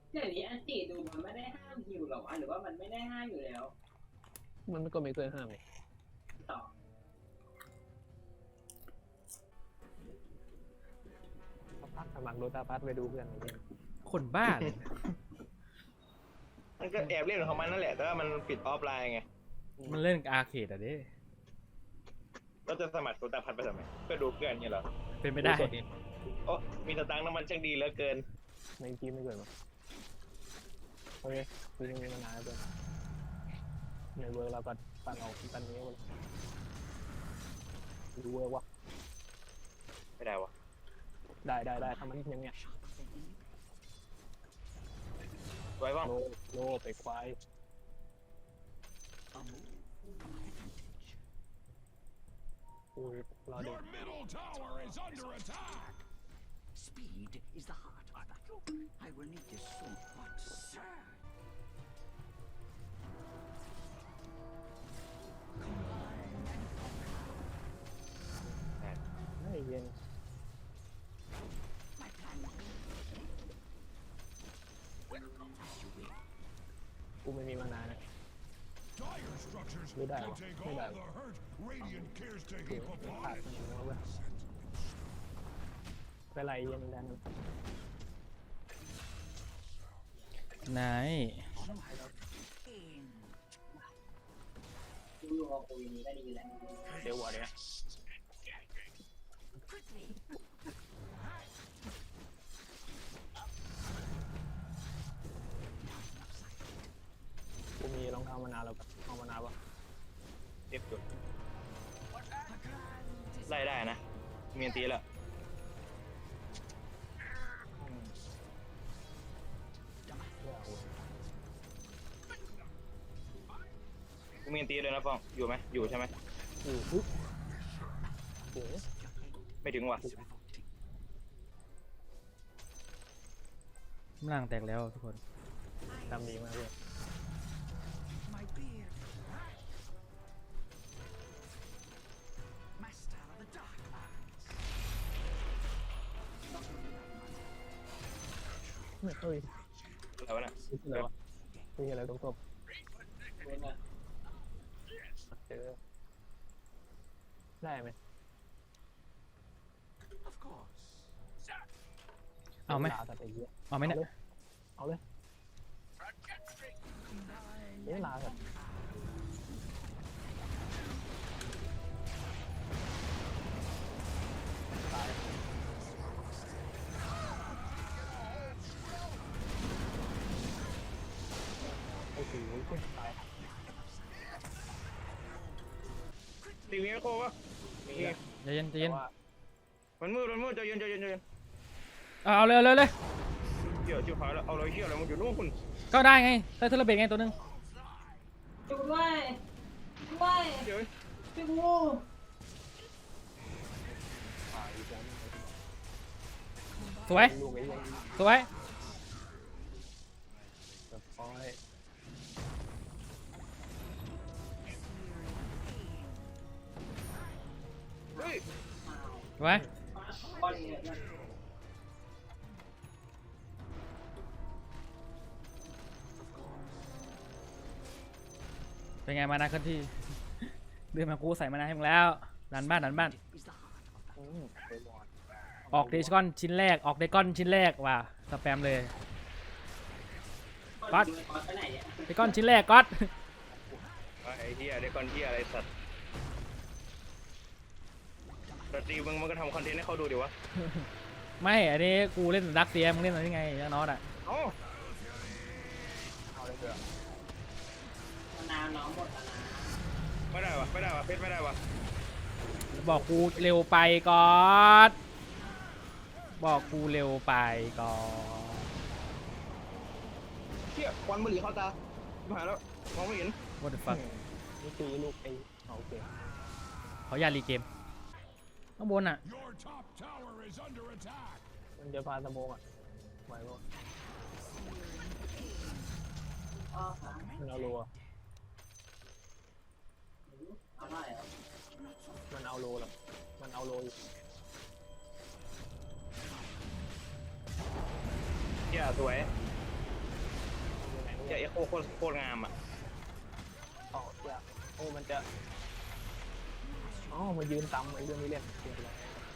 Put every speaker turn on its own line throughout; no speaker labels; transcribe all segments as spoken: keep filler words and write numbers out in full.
เดี๋ยวนี้อันติดูมันไม่ได้ห้ามฮิวหรอวะหรือว่ามันไม่ได้ห้ามอยู่แล้ว
มันก็ไม่เคยห้ามเลย
ต่อ
พักสมัครโดตาพัทไปดูเพื่อนอะไรเงี้ย
คนบ้าเลย
มันก็แอบเล่นของมันนั่นแหละแต่ว่ามันปิดออฟไลน์ไง
มันเล่นอาร์เคดอะดิ
ก็จะสมัครโดตาพัทไปทำไมเพื่อดูเพื่อนเนี่ยเหรอ
เป็นไม่ได้
โอ้มีสตังค์น้ำมันช่างดีเหลือเกิน
ในทีมไม่เกิดมาโอเคคือยังมีมานานแล้วเพื่อนในเวิร์กเราก็ปั่นออกปั่นนี้เลยดูเวิร์กวะ
ไม่ได้วะ
ได้ได้ได้ทำมันยังเนี้ย
ไว้บ้าง
โลโลไปควายอุ้ยรอเด็ก
Speed is the heart of battle. I will need this so much, sir.
ไม่เย็น
My plan. Welcome as you will.
กูไม่มีมานานนะไม่ได้วะไม่ได้วะเดี๋ยวขาดมันหัวเว้ยไปไล่เย็นดัน
ไหน
กูอยู่กับกูอย่างนี้ก็ดีแล้ว
เดี๋ยววะเนี่ยกูมีรองเท้ามานานแล้วแบบเอามานานปะ
เอฟจุดไล่ได้นะมีอันตีแล้วกูมีอันตีเลยนะฟองอยู่ไหมอยู่ใช่ไหม
อยู่ปุ๊บโอ้
ไม่ถึงว่ะ
ร่างแตกแล้วทุกคน
ทำดีมากเลยไม่เอ้ย
อะไรวะน่ะ
อะไรวะมีอะไรตรงศพเจอได้ไหม
เอาไหมเอาไหมเนี่ย
เอาเลยเวลาแบบตายโอ้โหตาย
ตีมีโค้วะมี
ใจเย็นใจเย็น
มันมืดมันมืดใจเย็นใจเย็นใจเย็น
เอาเลยเลยเลย
เหี้ยชิบหายแล้วเอาเลยเหี้ยอะไรมันอยู่นู่นคุณ
ก็ได้ไงได้เทเลเบตไงตัวนึง
ช่วยด้วยช่วย
เดี๋ยว
ช่วยกู
สวยสวย
เฮ้ย
ไว้เป็นไงมานาขึ้นที่เดินมากูใส่มานาให้มึงแล้วดันบ้านดันบ้านออกเดชก้อนชิ้นแรกออกเดก้อนชิ้นแรกว่ะสแปมเลยก๊อตเดก้อนชิ้นแรกก๊อต
ไอ้เหี้ยเดก้อนเหี้ยอะไรสัตว์ดนตรีมึงมันก็ทำคอนเทนต์ให้เขาดูดิวะ
ไม่อันนี้กูเล่นดักเซียมึงเล่นอะไรยังไงยังน็อตอ่ะ
โอ้
เอาเลยเถอะ
น้ำน้องหมดแล้วนะ
ไม่ได้วะไม่ได้วะเพชรไม่ได้วะ
บอกกูเร็วไปก๊อตบอกกูเร็วไปก๊อต
เชี่ยควันบุหรี่เข้าตาหายแล้วมองไม่เห็น
What the fuck
นี่ตีลูกไอ้เอาเกม
เขาอยากรีเกมข้างบนอ่ะ
มันจะพาสมองอ่ะไหวปะมันเอาโลอ่ะมันเอาโลหรอมันเอาโลอยู่
เหี้ยสวยเจอเอ็กโคโคตรโคตรงามอ่ะ
อ๋อเจ้าโอ้มันจะอ๋อมายืนตำไอ้เรื่องนี้เล่นเกลียดเลย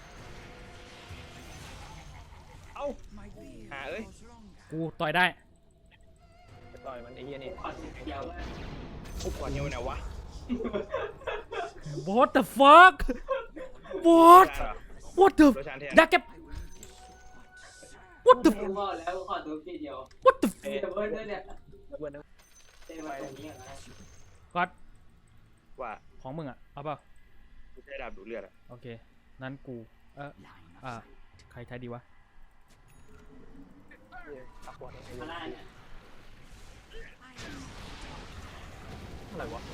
เอ้า
My beard
หาเอ้ย
grows longer.
กูต่อยได้
ไปต่อยมันไอ้เหี้ยนี่
ขอสิบเดียวว่า
กูก่อนเฮียวไหนวะ
What the fuck What
ได้เหรอ
What the
โดยชานแทน
ดักแก
I will need this sword, sir.
What the
กูบอกแล้วกูขอตัวทีเดียว
What the
มีแต่เบิร์ดด้วยเนี่ย
แล้วเพื่อนนะ
เต้มาตรงนี้อ่ะนะ
ก๊อต
ว่า
ของมึงอะเอาเปล่า
กูใช้ดาบดูดเลือดอ่ะ
โอเค นั้นกู เออ
Line of
อ่า
sight.
ใครใช้ดีวะ
เหี้ยตักบอลไอ้เหี้
มาย หน้าเนี่ย
อะไรวะ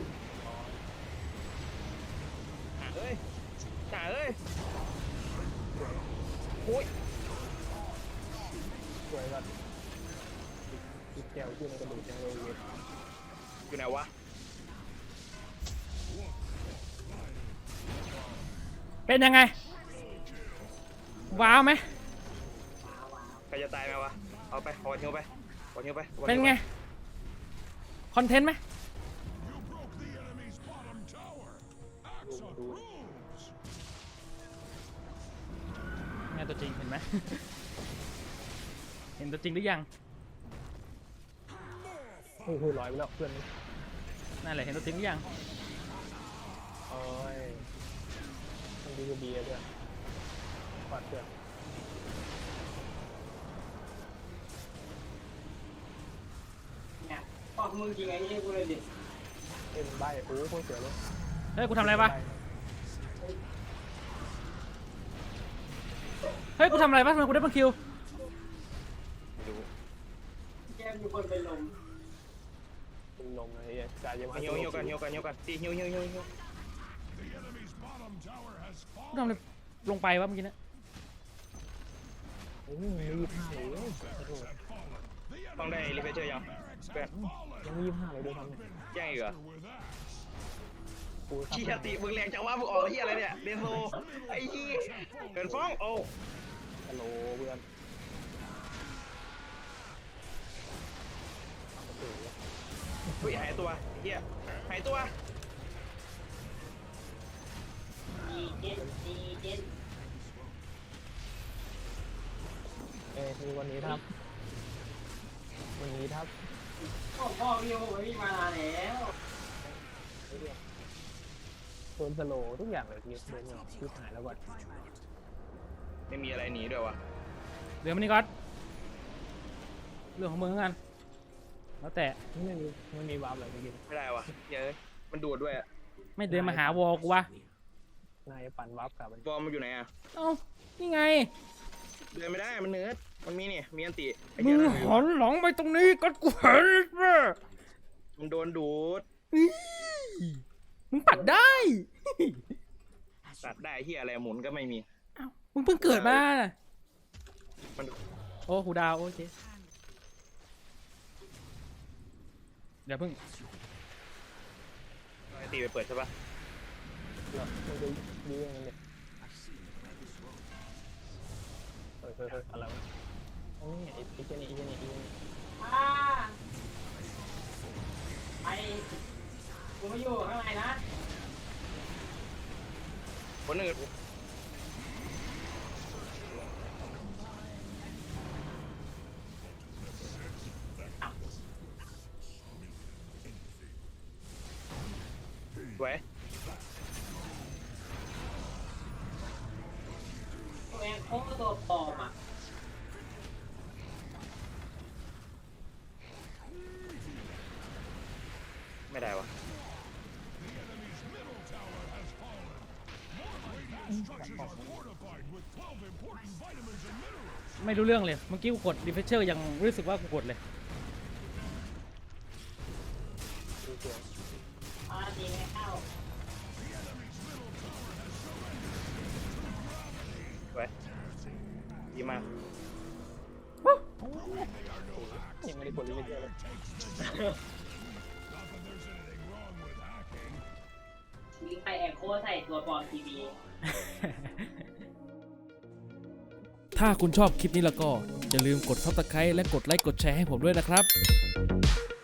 หาเอ้ยหาเอ้ยโอ้ย
สวยแบบติดแก้วขึ้นในกระดูกยังเลยเว้ย
อยู่ไหนวะ
เป็นยังไง ว้าวไหม
ใครจะตายไหมวะเอาไปขอเฮียวไปขอเฮียวไปขอ
เป็น
ฮียว
ไง คอนเทนต์ไหม
ดูดู
ไงตัวจริงเห็นไหม เห็นตัวจริงหรือยัง
โอ้โหลอยไปแล้วเพื่อนนี่
นั่นแหละเห็นตัวจริงหรือยัง
โอ้ยมันดีกับเบียร์ด้วยปัดเพื่อน
เนี่ยบอกมึงจริงไอ้นี่กูเลยดิ
เอ็มใบโอ้โหโคตรสวยเลย
เฮ้ย กูทำอะไรวะ เฮ้ย กูทำอะไรวะทำไมกูได้บังคิว
ไม่รู้
แกมีคนเป็นลม
เป็นลมเลยไอ้เหี้ยกายจะมา
เฮียวเฮียวกันเฮียวกันเฮียวกันตีเฮียวเฮียวเฮียวเฮียว
กูทำอะไรลงไปวะเมื่อกี้เนะ
โอ้ยมียี่ห้าเลยโอ้โห
ต้องได้รีเฟรชเชอร์ยังเพื่อน
ยังมียี่ห้าเลยด้วยซ้ำเนี่ย
แจ้งอีกเหรอ
กู
เฮียตีมึงแรงจังวะมึงออกเฮียอะไรเนี่ยเดนโซไอ้เฮียเกินฟ้องโอ้
ฮัลโหลเพื่อนโอ้โห
เฮ้ยหายตัวเฮียหายตัว
ดีเจนดีเจน
เอ้ยมีวันนี้ครับวันนี้ครับ
พ่อพ่อพี่โอ้ยมานานแล้ว
โดนสโลว์ทุกอย่างเลยทีเดินเหงาชิบหายแล้วก่อน
ไม่มีอะไรหนีด้วยวะ
เดี๋ยวมันนี่ก๊อตเรื่องของมึงแล้วกัน แล้วแต่
ไม่มีไม่มีวาร์ปอะไรเมื่อกี้
ไม่ได้วะเหี้ยอะมันดูดด้วยอะ
ไม่เดินมาหาวอลกูวะ
นายปั่นวาร์ปกลับมัน
บอลมันอยู่ไหนอะ
เอ้า นี่ไง
เดินไม่ได้มันเนื้อมันมีนี่มีอันติไอ้
มึ
เหี้ย
ง
นั่น
หันหลังไปตรงนี้ก็กูเห็นแม่
มันโดนดูด
มึงปัดได้
ตัดได้เฮียอะไรหมุนก็ไม่มี
เอ้ามึงเพิ่งเกิดมา
มัน
โอ้หูดาวโอเค เดี๋ยวเพิ่ง
ไอตีไปเปิดใช่ปะ
เหรอมันจะยื้อยังไงเนี่ย
I see where this road
เฮ้ยเฮ้ยเฮ้ยอะไรวะโอ้ยไอ้ไอ้เจนี่ไอ้เจนี่ไอ้เจนี่
อ่าไปกูไม่อยู่ข้างในนะ
คนอื่นสวย
ตัวเองโค้งตัวปลอมอ่ะ
ไม่ได้วะ
ไม่รู้เรื่องเลย เมื่อกี้กูกดรีเฟชเชอร์ยังรู้สึกว่ากูกดเลย
ดูเสียง
อ่าดีไม่เข้า
สวยดีมาก
ยังไม่ได้กดลิมิเตอร์เลย
ลิงไปแอนโคใส่ตัวปลอมทีวี
ถ้าคุณชอบคลิปนี้แล้วก็อย่าลืมกด ซับสไครบ์ และกดไลค์กดแชร์ให้ผมด้วยนะครับ